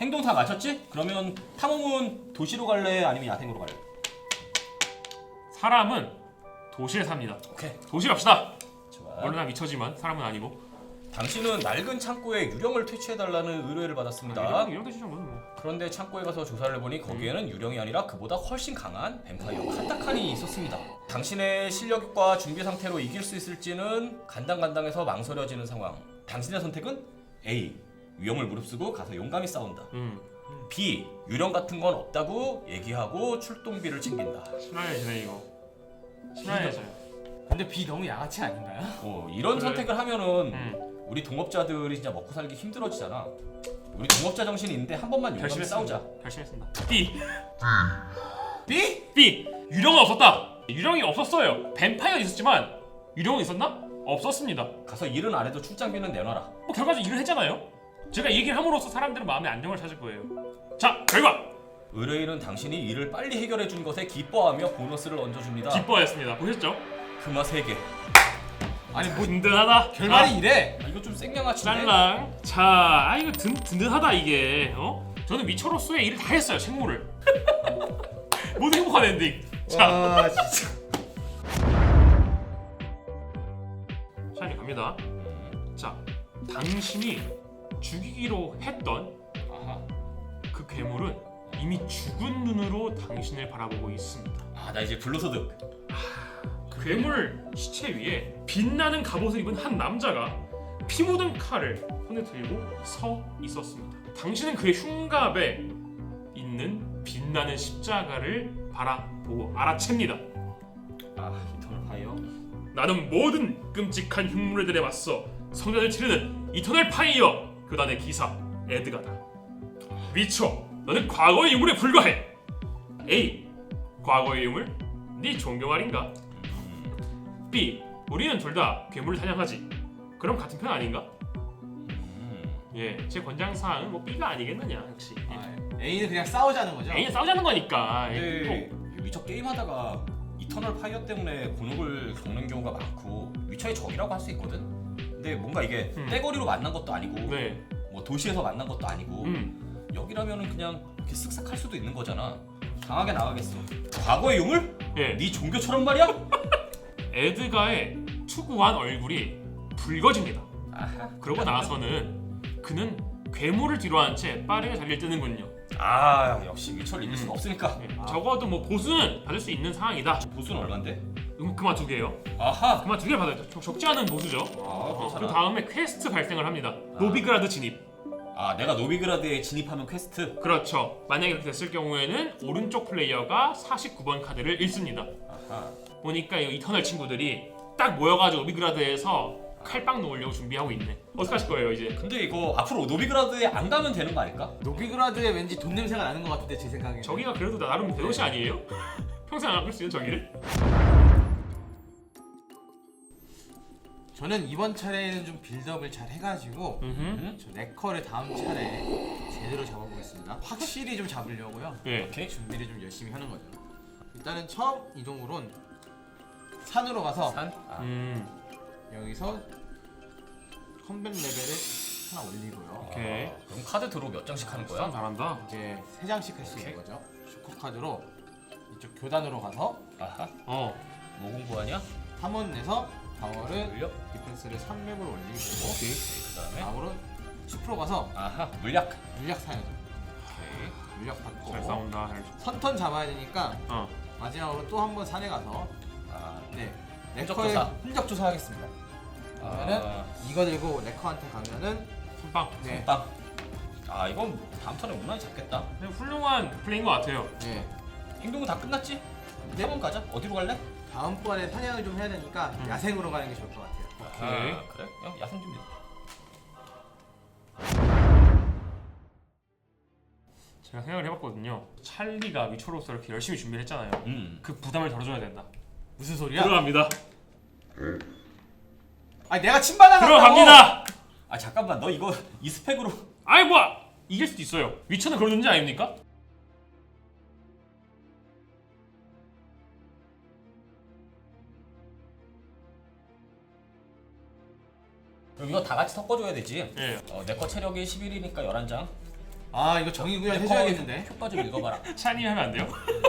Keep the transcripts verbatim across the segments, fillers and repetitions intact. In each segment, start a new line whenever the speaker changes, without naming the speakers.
행동 다 마쳤지? 그러면 탐험은 도시로 갈래? 아니면 야생으로 갈래?
사람은 도시에 삽니다.
오케이.
도시 갑시다.
좋아.
물론 나 미쳐지만 사람은 아니고.
당신은 낡은 창고에 유령을 퇴치해달라는 의뢰를 받았습니다.
아, 이런 이런 뜻이죠 뭐.
그런데 창고에 가서 조사를 해보니 거기에는 유령이 아니라 그보다 훨씬 강한 뱀파이어 카타칸이 있었습니다. 당신의 실력과 준비 상태로 이길 수 있을지는 간당간당해서 망설여지는 상황. 당신의 선택은 A. 위험을 무릅쓰고 가서 용감히 싸운다.
음.
B. 유령 같은 건 없다고 얘기하고 출동비를 챙긴다.
심란해지네 이거. 심란해져요.
근데 B 너무 양아치 아닌가요?
어, 이런
그래.
선택을 하면은
음.
우리 동업자들이 진짜 먹고 살기 힘들어지잖아. 우리 동업자 정신이 있는데 한 번만 용감히 싸우자.
결심했습니다. B.
B?
B. 유령은 없었다. 유령이 없었어요. 뱀파이어 있었지만 유령은 있었나? 없었습니다.
가서 일은 안 해도 출장비는 내놔라.
뭐 결과적으로 일을 했잖아요. 제가 얘기를 함으로써 사람들은 마음의 안정을 찾을 거예요. 자, 결과.
의뢰인은 당신이 일을 빨리 해결해 준 것에 기뻐하며 보너스를 얹어줍니다.
기뻐했습니다. 보셨죠?
금화 세 개.
아니 뭐
든든하다.
결말이
아,
이래.
아, 이거 좀 생양아치네.
짤랑. 자, 아 이거 든, 든든하다 이게. 어? 저는 위쳐로서의 일을 다 했어요. 생모를. 모두 행복한 엔딩. 자,
와 진짜.
샤니 갑니다. 자, 당신이 죽이기로 했던
아하.
그 괴물은 이미 죽은 눈으로 당신을 바라보고 있습니다.
아, 나 이제 불로소득.
그 괴물 시체 위에 빛나는 갑옷을 입은 한 남자가 피 묻은 칼을 손에 들고 서 있었습니다. 당신은 그의 흉갑에 있는 빛나는 십자가를 바라보고 알아챕니다.
아, 이터널 파이어.
나는 모든 끔찍한 흉물들에 맞서 성전을 치르는 이터널 파이어 교단의 기사 에드가다. 위쳐, 너는 과거의 유물에 불과해. A. 과거의 유물? 네 종교 말인가? B. 우리는 둘 다 괴물을 사냥하지. 그럼 같은 편 아닌가?
음.
예, 제 권장사항은 뭐 B가 아니겠느냐 역시. 예.
아, A는 그냥 싸우자는 거죠?
A는 싸우자는 거니까.
근데
예.
위쳐 게임하다가 이터널 파이어 때문에 곤혹을 겪는 경우가 많고 위쳐의 적이라고 할 수 있거든. 근데 뭔가 이게
음.
떼거리로 만난 것도 아니고
네.
뭐 도시에서 만난 것도 아니고
음.
여기라면은 그냥 이렇게 쓱싹 할 수도 있는 거잖아. 강하게 나가겠어. 과거의 유물?
예.
네 종교처럼 말이야?
에드가의 투구한 얼굴이 붉어집니다.
아하.
그러고 나서는 그는 괴물을 뒤로 한 채 빠르게 자리를 뜨는군요.
아, 역시 위쳐를 이길 수가
음.
없으니까.
예, 적어도 뭐 보수는 받을 수 있는 상황이다.
보수는 얼만데?
음, 그만 두 개요.
아하.
그만 두 개 받아요. 적- 적지 않은 보수죠.
아,
어, 그
괜찮아.
다음에 퀘스트 발생을 합니다.
아.
노비그라드 진입.
아, 내가 노비그라드에 진입하면 퀘스트.
그렇죠. 만약에 그렇게 됐을 경우에는 오른쪽 플레이어가 사십구 번 카드를 읽습니다.
아하.
보니까 이 이터널 친구들이 딱 모여가지고 노비그라드에서 칼빵 놓으려고 준비하고 있네. 어떡하실 거예요 이제?
근데 이거 앞으로 노비그라드에 안 가면 되는 거 아닐까?
노비그라드에 왠지 돈 냄새가 나는 것 같은데 제 생각에.
저기가 그래도 나름 대도시 아니에요? 평생 안 가볼 수 있는 저기를?
저는 이번 차례에는 좀 빌드업을 잘 해가지고
음.
저 네커를 다음 차례 제대로 잡아보겠습니다. 확실히 좀 잡으려고요.
네.
오케이.
준비를 좀 열심히 하는 거죠. 일단은 처음 이동으론 산으로 가서
산? 아.
음.
여기서 컴뱃 레벨을 하나 올리고요.
오케이.
아, 그럼 카드 드로 몇 장씩 하는
싸움
거야?
잘한다.
이제 세 장씩 할 수 있는
오케이.
거죠. 슈퍼 카드로 이쪽 교단으로 가서
아하.
어.
뭐 공부하냐?
탐원 내서 방어를
물력.
디펜스를 삼 렙을 올리고
오케이. 그다음에
다음으로 숲으로 가서
아하. 물약.
물약 사야죠.
오케이.
물약 받고
잘 싸운다. 잘.
선턴 잡아야 되니까
어.
마지막으로 또 한 번 산에 가서
아.
네
흔적
네커의
조사.
흔적 조사하겠습니다. 그러면은
아.
이거 들고 네커한테 가면은
선빵.
네,
빵. 아, 이건 다음 턴에 무난히 잡겠다.
네, 훌륭한 플레이인 것 같아요.
네
행동은 다 끝났지? 탐험 가자. 어디로 갈래?
다음번에 사냥을 좀 해야 되니까
음.
야생으로 가는 게 좋을 것 같아요.
오케이.
아, 그래? 야, 야생 준비.
제가 생각을 해봤거든요. 찰리가 위초로서 이렇게 열심히 준비를 했잖아요.
음.
그 부담을 덜어줘야 된다.
무슨 소리야?
들어갑니다.
아니 내가 침반하고
들어갑니다.
아, 잠깐만. 너 이거 이 스펙으로
아이 뭐야? 이길 수도 있어요. 위쳐는 그런 존재 아닙니까?
그럼 이거 다 같이 섞어줘야 되지.
예.
어, 내 거 체력이 십일이니까 열한 장.
아 이거 정의 구현 해줘야겠는데.
효과 좀 읽어봐라.
샤니 하면 안 돼요?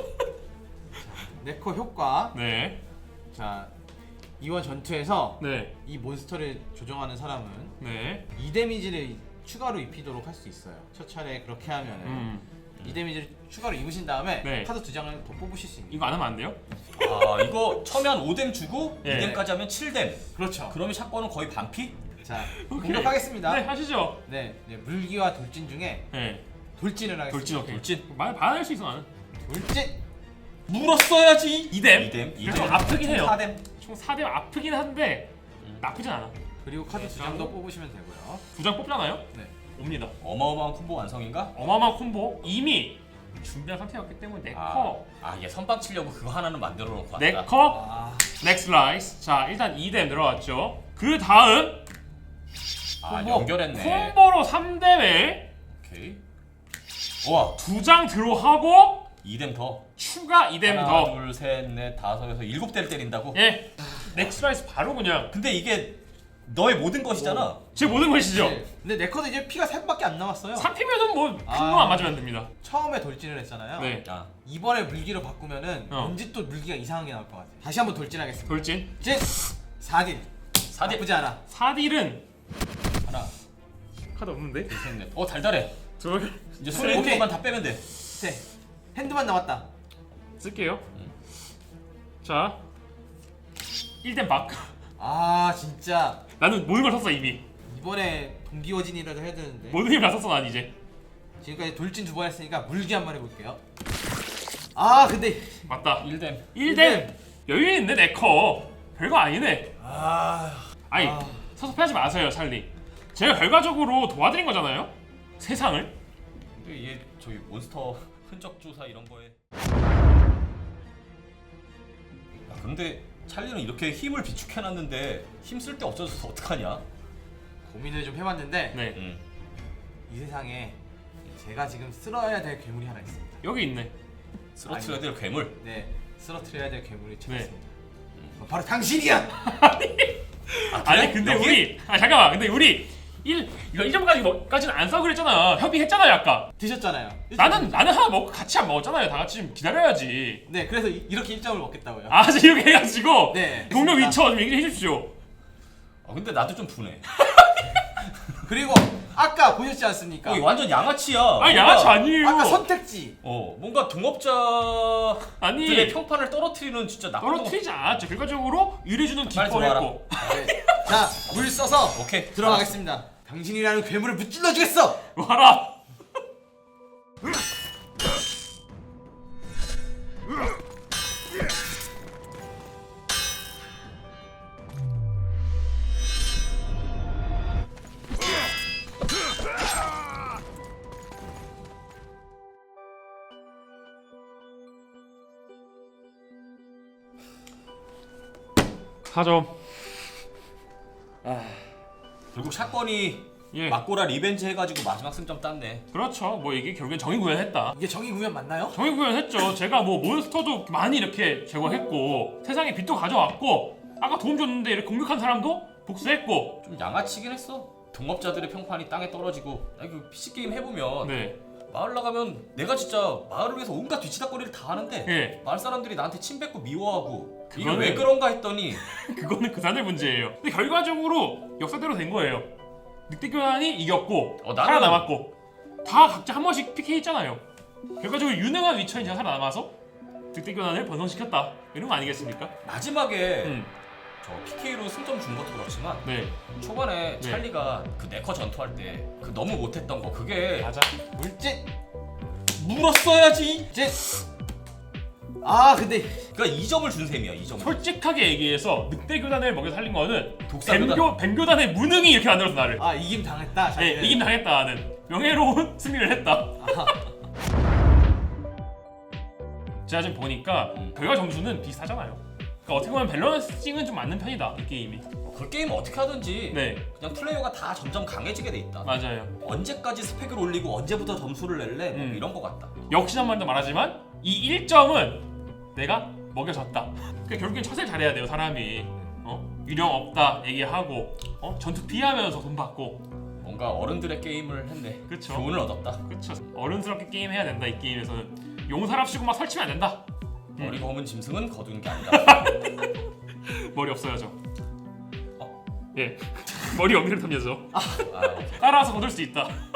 네커 효과.
네.
자 이번 전투에서
네.
이 몬스터를 조정하는 사람은
네.
이 데미지를 추가로 입히도록 할 수 있어요. 첫 차례 그렇게 하면은
음.
이 데미지를 추가로 입으신 다음에
네.
카드 두 장을 더 뽑으실 수 있는.
이거 안 하면 안 돼요?
아 이거 처음에 한 오 뎀 주고
예.
이 뎀까지 하면 칠 뎀.
그렇죠.
그러면 샷건은 거의 반피?
자
오케이.
공격하겠습니다.
네, 하시죠.
네, 네, 물기와 돌진 중에
네.
돌진을 하겠습니다.
돌진 오케이.
돌진.
말 반할 수 있어 나는.
돌진.
물었어야지.
이 뎀.
이 뎀. 이
그래도
뎀.
아프긴 해요.
사 뎀.
총 사 뎀 아프긴 한데
음.
나쁘진 않아.
그리고 카드
네,
두 장 더
하고.
뽑으시면 되고요.
두 장 뽑잖아요?
네.
옵니다.
어마어마한 콤보 완성인가?
어마어마한 콤보 이미 준비한 상태였기 때문에 네커
아, 얘 선빵 치려고 그거 하나는 만들어 놓고 왔다.
네커
아,
넥스 라이스. 자 일단 이 뎀 들어갔죠. 그 다음
아,
콤보.
연결했네.
콤보로 삼 뎀에
오케이. 와,
두 장 들어하고
이 뎀 더.
추가 이 뎀
하나,
더.
둘, 셋, 넷, 다섯에서 일곱 대를 때린다고?
예. 넥스 라이스 바로 그냥
근데 이게 너의 모든 것이잖아.
제 모든 것이죠.
네. 근데 내 카드 이제 피가 셋밖에 안 남았어요.
삼 피면은 뭐 큰
아.
놈 안 맞으면 안 됩니다.
처음에 돌진을 했잖아요.
네.
아,
이번에 물기로 바꾸면은
어.
왠지 또 물기가 이상한 게 나올 것 같아. 다시 한번 돌진하겠습니다.
돌진.
진 사 딜.
사 뎀.
나쁘지 않아.
사 딜은
하나,
카드 없는데?
둘, 셋, 넷. 어, 달달해.
둘
이제 손에 있는
오케이.
것만 다 빼면 돼.
네. 핸드만 남았다.
쓸게요. 자 일 뎀 박.
아 진짜
나는 모든 걸 썼어 이미.
이번에 동기어진이라도 해야 되는데.
모든 힘을 다 썼어 난 이제.
지금까지 돌진 두 번 했으니까 물기 한 번 해볼게요. 아 근데
맞다.
일 뎀.
일 뎀 여유 있네 네커. 별거 아니네.
아
아니
아.
섭섭해하지 마세요 찰리. 제가 결과적으로 도와드린 거잖아요. 세상을.
근데 얘 저기 몬스터 흔적 조사 이런 거에. 야, 근데 찰리는 이렇게 힘을 비축해놨는데 힘 쓸 데 없어져서 어떡하냐?
고민을 좀 해봤는데
네.
응.
이 세상에 제가 지금 쓸어야 될 괴물이 하나 있습니다.
여기 있네.
쓰러트려야 될 괴물.
네, 쓰러트려야 될 괴물이 찾았습니다.
네.
어, 바로 당신이야.
아,
아니 근데
여기?
우리 아 잠깐만 근데 우리 일 이거 일 점까지까지는 안 싸고 그랬잖아. 협의했잖아요 아까.
드셨잖아요.
나는 나는 하나 먹고 같이 안 먹었잖아요. 다 같이 좀 기다려야지.
네, 그래서 이, 이렇게 일 점을 먹겠다고요.
아 지금 이렇게 해가지고
네.
동료
알겠습니다.
위쳐 좀 얘기해 주십시오.
아, 근데 나도 좀 분해.
그리고 아까 보셨지 않습니까?
어, 이거 완전 양아치야.
아니
뭔가-
양아치 아니에요.
아까 선택지.
어, 뭔가 동업자들의
아니
평판을 떨어뜨리는 진짜 나쁜
떨어뜨리지 않았죠. 결과적으로 유리주는
빨리 들어와라.
기뻐했고.
네. 자, 물 써서
동- 오케이.
들어가겠습니다. 당신이라는 괴물을 무찔러 주겠어.
와라. 사 점.
결국 사건이
예.
막고라 리벤지 해가지고 마지막 승점 땄네.
그렇죠. 뭐 이게 결국엔 정의 구현했다.
이게 정의 구현 맞나요?
정의 구현했죠. 제가 뭐 몬스터도 많이 이렇게 제거했고 세상에 빛도 가져왔고 아까 도움 줬는데 이렇게 공격한 사람도 복수했고.
좀 양아치긴 했어. 동업자들의 평판이 땅에 떨어지고. 나 이거 피씨 게임 해보면
네.
마을 나가면 내가 진짜 마을을 위해서 온갖 뒤치다거리를 다 하는데
예.
마을 사람들이 나한테 침 뱉고 미워하고 이게
그거는-
왜 그런가 했더니
그거는 그 사람들 문제예요. 근데 결과적으로 역사대로 된 거예요. 늑대 교환이 이겼고
어, 나는-
살아남았고 다 각자 한 번씩 피케이 했잖아요. 결과적으로 유능한 위쳐인 제가 살아남아서 늑대 교환을 번성시켰다. 이런 거 아니겠습니까?
마지막에
음.
저 피케이로 승점 준 것도 그렇지만
네.
초반에
네.
찰리가 그 네커 전투할 때 그 너무 못했던 거 그게
맞아.
물질.
물었어야지.
진. 아 근데
그러니까 이 점을 준 셈이야. 이 점을.
솔직하게 얘기해서 늑대 교단을 먹여 살린 거는
독사 교단.
뱀교 뱀교단의 무능이 이렇게 만들어서 나를.
아 이김 당했다.
네,
자기는.
이긴 당했다는 명예로운 승리를 했다. 제가 지금 보니까
음.
결과 점수는 비슷하잖아요. 그러니까 어떻게 보면 밸런싱은 좀 맞는 편이다 이 게임이.
그 게임은 어떻게 하든지
네,
그냥 플레이어가 다 점점 강해지게 돼 있다.
맞아요.
언제까지 스펙을 올리고 언제부터 점수를 낼래? 뭐
음.
이런 거 같다.
역시 한 번 더 말하지만 이 일 점은 내가 먹여줬다. 그러니까 결국엔 처세를 잘해야 돼요 사람이. 어? 유령 없다 얘기하고 어? 전투 피하면서 돈 받고.
뭔가 뭔가 어른들의 게임을 했네.
그쵸.
교훈을 얻었다.
그쵸. 어른스럽게 게임 해야 된다. 이 게임에서는 용사랍시고 막 설치면 안 된다.
머리가 없는 짐승은 거두는 게 아니다.
머리 없어야죠.
어?
예. 머리 없는 탐려죠.
아,
따라서 거둘 수 있다.